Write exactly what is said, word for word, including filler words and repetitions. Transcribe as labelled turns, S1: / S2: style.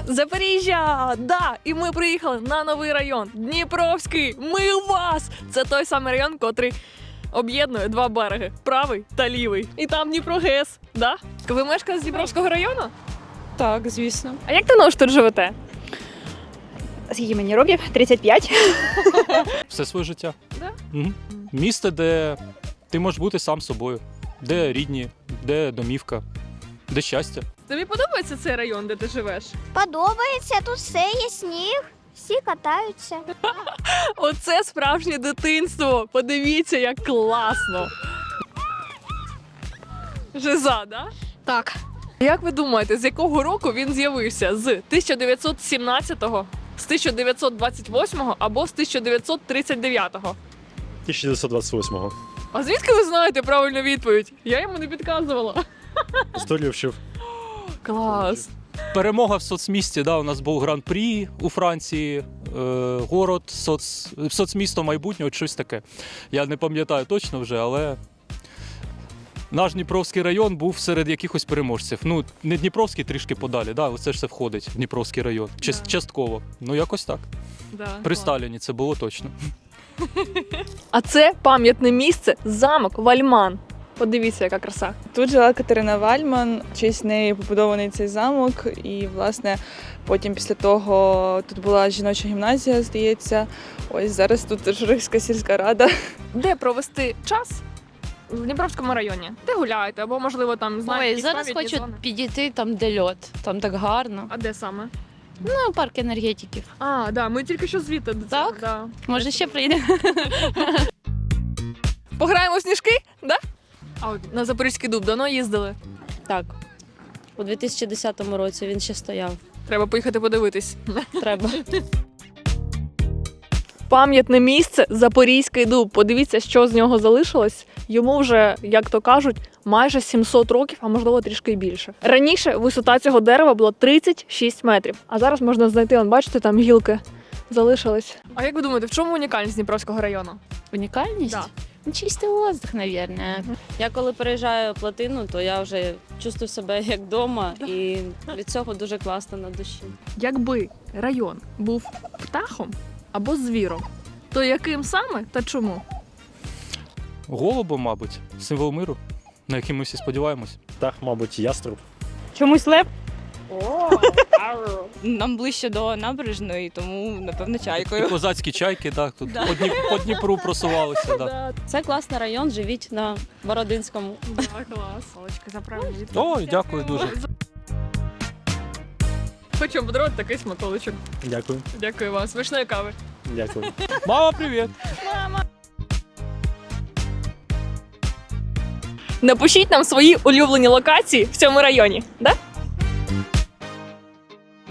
S1: Запоріжжя! Да! І ми приїхали на новий район Дніпровський. Ми у вас! Це той самий район, котрий об'єднує два береги правий та лівий. І там Дніпро-ГЕС. Да? Ви мешкаєте з Дніпровського району?
S2: Так, звісно.
S1: А як давно ж тут живете?
S2: Скільки мені років? тридцять п'ять.
S3: Все своє життя.
S1: Да?
S3: Угу. Місце, де ти можеш бути сам собою, де рідні, де домівка, де щастя.
S1: Тобі подобається цей район, де ти живеш?
S4: Подобається, тут все є сніг, всі катаються.
S1: Оце справжнє дитинство. Подивіться, як класно. Жиза, да?
S2: Так.
S1: Як ви думаєте, з якого року він з'явився? З тисяча дев'ятсот сімнадцятого, з тисяча дев'ятсот двадцять восьмого або з тисяча дев'ятсот тридцять дев'ятого?
S5: тисяча дев'ятсот двадцять восьмого.
S1: А звідки ви знаєте правильну відповідь? Я йому не підказувала.
S5: Історію вчив.
S1: Клас.
S3: Перемога в соцмісті, да, у нас був гран-прі у Франції, е, город, соц, соцмісто майбутнього, щось таке. Я не пам'ятаю точно вже, але наш Дніпровський район був серед якихось переможців. Ну, не Дніпровський, трішки подалі, да, але це ж все входить в Дніпровський район. Част,
S1: Да.
S3: Частково. Ну, якось так.
S1: Да,
S3: При
S1: клас.
S3: Сталіні це було точно.
S1: А це пам'ятне місце, замок Вальман. Подивіться, яка краса.
S2: Тут жила Катерина Вальман, в честь неї побудований цей замок. І, власне, потім після того тут була жіноча гімназія, здається. Ось зараз тут Журихська сільська рада.
S1: Де провести час? В Дніпровському районі. Де гуляєте? Або, можливо, там знаєте,
S6: Ой,
S1: якісь
S6: зараз
S1: пам'ятні
S6: хочу
S1: зони?
S6: підійти там, де льот. Там так гарно.
S1: А де саме?
S6: Ну, парк енергетиків.
S1: А, да, ми тільки що звідти. до цього,
S6: Так?
S1: Да.
S6: Може, ще приїдемо?
S1: Пограємо в сніжки? Да? А от на Запорізький дуб давно їздили?
S7: Так. У дві тисячі десятому році він ще стояв.
S1: Треба поїхати подивитись.
S7: Треба.
S1: Пам'ятне місце Запорізький дуб. Подивіться, що з нього залишилось. Йому вже, як то кажуть, майже сімсот років, а можливо трішки більше. Раніше висота цього дерева була тридцять шість метрів, а зараз можна знайти, он, бачите, там гілки залишились. А як ви думаєте, в чому унікальність Дніпровського району?
S7: Унікальність?
S1: Да.
S7: Ну, чистий воздух, мабуть. Я коли переїжджаю плотину, то я вже чувствую себе як вдома, і від цього дуже класно на душі.
S1: Якби район був птахом або звіром, то яким саме та чому?
S3: Голубом, мабуть, символ миру, на який ми всі сподіваємось.
S5: Так, мабуть, яструб.
S2: Чомусь лев.
S8: Нам ближче до набережної, тому, напевно,
S3: І
S8: чайкою.
S3: козацькі чайки, так, тут по, Дніп, по Дніпру просувалися. Да.
S7: Це класний район, живіть на Бородинському.
S1: Да, клас. Олечка, за правильну відповідь.
S3: Ой, дякую дуже.
S1: Хочу подарувати такий смаколичок.
S5: Дякую.
S1: Дякую вам. Смачної кави.
S5: Дякую.
S3: Мама, привіт!
S1: Напишіть нам свої улюблені локації в цьому районі. Да?